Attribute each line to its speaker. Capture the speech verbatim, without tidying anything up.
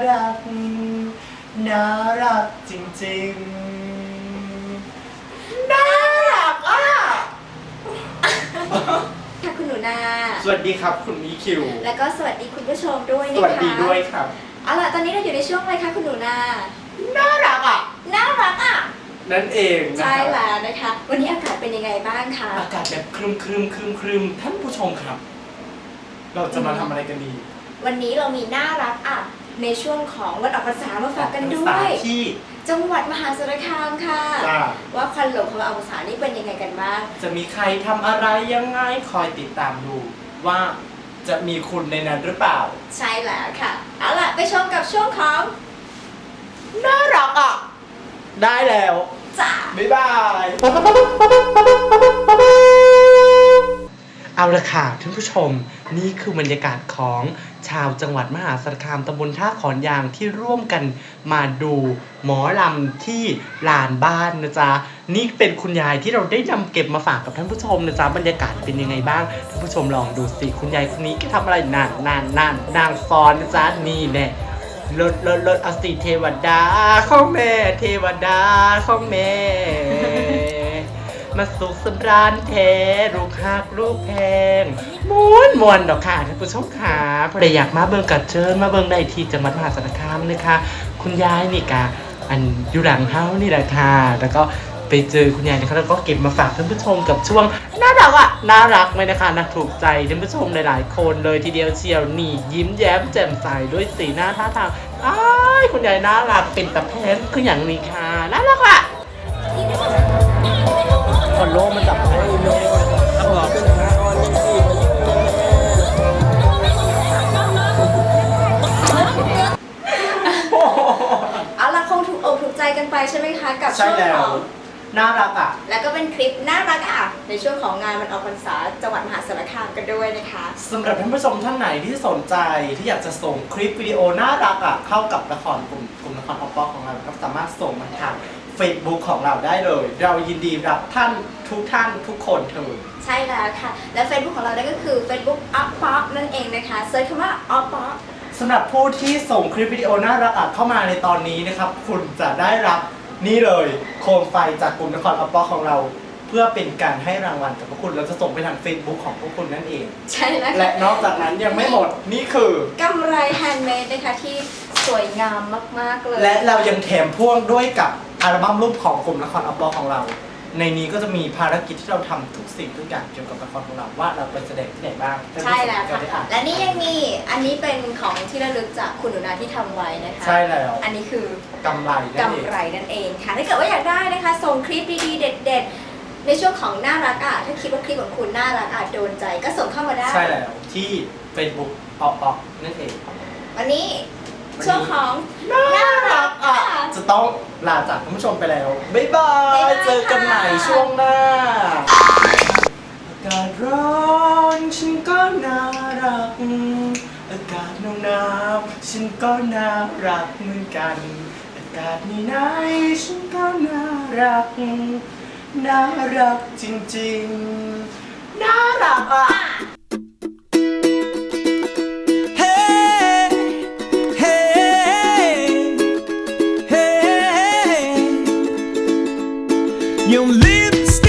Speaker 1: รักน่ารักจริงๆน่ารักอ่ะ
Speaker 2: ค่ะคุณหนูนา
Speaker 1: สวัสดีครับคุณอีคิว
Speaker 2: แล้วก็สวัสดีคุณผู้ชมด้วยนะคะ
Speaker 1: สวัสดีด้วยครับ
Speaker 2: เอาล่ะตอนนี้เราอยู่ในช่วงอะไรคะคุณหนูนา
Speaker 1: น่ารักอ่ะ
Speaker 2: น่ารักอ่ะ
Speaker 1: นั่นเอง
Speaker 2: ใช่แล้วนะคะวันนี้อากาศเป็นยังไงบ้างคะ
Speaker 1: อากาศแบบครึมครึมครึมครึมท่านผู้ชมครับเราจะมาทำอะไรกันดี
Speaker 2: วันนี้เรามีน่ารักอ่ะในช่วงของวันออกพรรษามาฝากกันด้วย
Speaker 1: ที่
Speaker 2: จังหวัดมหาสารคามค่ะว่าควันหลงของวันออกพรรษานี่เป็นยังไงกันบ้าง
Speaker 1: จะมีใครทำอะไรยังไงคอยติดตามดูว่าจะมีคุณในนั้นหรือเปล่า
Speaker 2: ใช่แล้วค่ะเอาล่ะไปชมกับช่วงของ
Speaker 1: น่ารักอ่ะได้แล้ว
Speaker 2: จ้า
Speaker 1: บ๊ายบายเอาละค่ะท่านผู้ชมนี่คือบรรยากาศของชาวจังหวัดมหาสารคามตำบลท่าขอนยางที่ร่วมกันมาดูหมอลำที่ลานบ้านนะจ๊ะนี่เป็นคุณยายที่เราได้นำเก็บมาฝากกับท่านผู้ชมนะจ๊ะบรรยากาศเป็นยังไงบ้างท่านผู้ชมลองดูสิคุณยายคนนี้ก็ทำอะไรนานนานนานนางฟ้อนนะจ๊ะนี่แน่ลดลดลดอสิเทวดาของแม่เทวดาของแม่มาสุขสำราญแท้ลูกหักลูกแพงม้วนมวนดอกค่ะท่านผู้ชมค่ะพอได้อยากมาเบิ่งกัดเชิญมาเบิ่งได้ที่จังหวัดมหาสารคามเลยค่ะคุณยายนี่กะอันอยู่หลังเฮานี่แหละค่ะแล้วก็ไปเจอคุณยายนะคะแล้วก็เก็บมาฝากท่านผู้ชมกับช่วงน่ารักอ่ะน่ารักไหมนะคะน่าถูกใจท่านผู้ชมหลายๆคนเลยทีเดียวเชียวนี่ยิ้มแย้มแจ่มใสด้วยสีหน้าท่าทางอ้ายคุณยายน่ารักเป็นตะแพนคืออย่างนี้ค่ะน่ารักอ่ะคอนโลมันจับให้โลเอาหรอ
Speaker 2: เอาล่ะคงถูกอกถูกใจกันไปใช่ไหมคะกับ
Speaker 1: ช่วงของน่ารักอ่ะ
Speaker 2: แล้วก็เป็นคลิปน่ารักอ่ะในช่วงของงานวันออกพรรษาจังหวัดมหาสารคามกันด้วยนะคะ
Speaker 1: สำหรับท่านผู้ชมท่านไหนที่สนใจที่อยากจะส่งคลิปวิดีโอน่ารักอ่ะเข้ากับละครกลุ่มกลุ่มละครออปปของเราครับสามารถส่งมาทาง Facebook ของเราได้เลยเรายินดีรับท่านทุกท่านทุกคนเถิด
Speaker 2: ใช่แล้วค่ะและ Facebook ของเราได้ก็คือ Facebook ออปป๊อปนั่นเองนะคะเซิร์ชคำว่าออปป๊อป
Speaker 1: สำหรับผู้ที่ส่งคลิปวิดีโอน่ารักอ่ะเข้ามาในตอนนี้นะครับคุณจะได้รับนี่เลยโคมไฟจากกลุ่มละครออปปอของเราเพื่อเป็นการให้รางวัลกับพวกคุณเราจะส่งไปทาง Facebook ของพวกคุณนั่นเอง
Speaker 2: ใช่แล้ว
Speaker 1: และนอกจากนั้นยังไม่หมดนี่คือก
Speaker 2: ำไรแฮนด์เมดนะคะที่สวยงามมากๆเลย
Speaker 1: และเรายังแถมพ่วงด้วยกับอัลบั้มรูปของกลุ่มละครออปปอของเราในนี้ก็จะมีภารกิจที่เราทำทุกสิ่งทุกอย่างเกี่ยวกับละครของเราว่าเราไปแสดงที่ไหนบ้าง
Speaker 2: ใช่แล้วค่ะและนี่ยังมีอันนี้เป็นของที่ระลึกจากคุณหนูนาที่ทำไว้นะคะ
Speaker 1: ใช่แล้ว
Speaker 2: อันนี้คือก
Speaker 1: ำไร
Speaker 2: กำไรนั่นเองค่ะถ้าเกิดว่าอยากได้นะคะส่งคลิปดีๆเด็ดๆในช่วงของน่ารักอ่ะถ้าคิดว่าคลิปของคุณน่ารักอ่ะโดนใจก็ส่งเข้ามาได้
Speaker 1: ใช่แล้วที่ Facebook ออปปอนั่นเอง
Speaker 2: วันนี้ช่วงของ
Speaker 1: น่ารักอ่ะจะต้องลาจากท่านผู้ชมไปแล้วบ๊ายบายเจอกันใหม่ช่วงหน้าอากาศร้อนฉันก็น่ารักอากาศหนาวหนาวฉันก็น่ารักเหมือนกันอากาศไหนๆฉันก็น่ารักน่ารักจริงๆน่ารักอ่ะ
Speaker 3: Your lips